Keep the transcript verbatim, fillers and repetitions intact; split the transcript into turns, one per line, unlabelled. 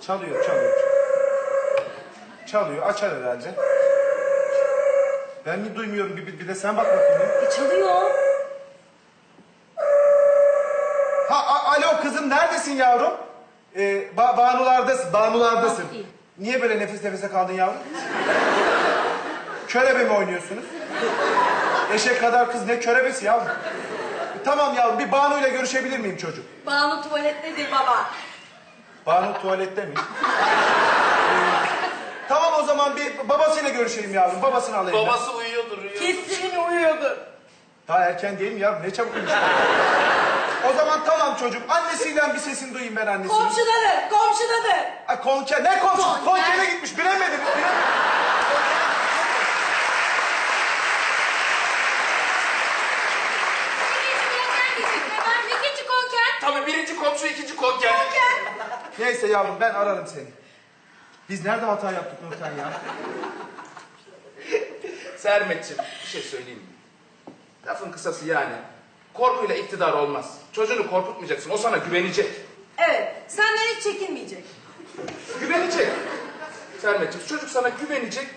Çalıyor, çalıyor. Çalıyor, açar herhalde. Ben mi duymuyorum? Bir, bir, bir de sen bak bakayım. ya.
E, çalıyor.
Ha, a- alo kızım, neredesin yavrum? Ee, ba Banulardasın, Banulardasın.
Bakayım.
Niye böyle nefes nefese kaldın yavrum? Körebe mi oynuyorsunuz? Eşek kadar kız ne körebesi yavrum? Tamam yavrum, bir Banu ile görüşebilir miyim çocuk?
Banu tuvalettedir baba.
Banu tuvalette mi? Ee, tamam o zaman bir babasıyla görüşeyim yavrum, babasını alayım ben.
Babası uyuyordur, uyuyor.
Kesin uyuyordu.
Daha erken değil mi yavrum? Ne çabuk uyumuş. O zaman tamam çocuk, annesiyle bir sesini duyayım ben annesini.
Komşudadır, komşudadır.
Ay konker, ne komşu?
Konker.
Konkere gitmiş, bilemedim. bilemedim.
İkinci konker.
Tabii birinci komşu, ikinci konker.
Neyse yavrum, ben ararım seni. Biz nerede hata yaptık Nurten ya?
Sermetciğim, bir şey söyleyeyim mi? Lafın kısası yani. Korkuyla iktidar olmaz. Çocuğunu korkutmayacaksın, o sana güvenecek.
Evet, senden hiç çekinmeyecek.
Güvenecek. Sermetciğim, çocuk sana güvenecek.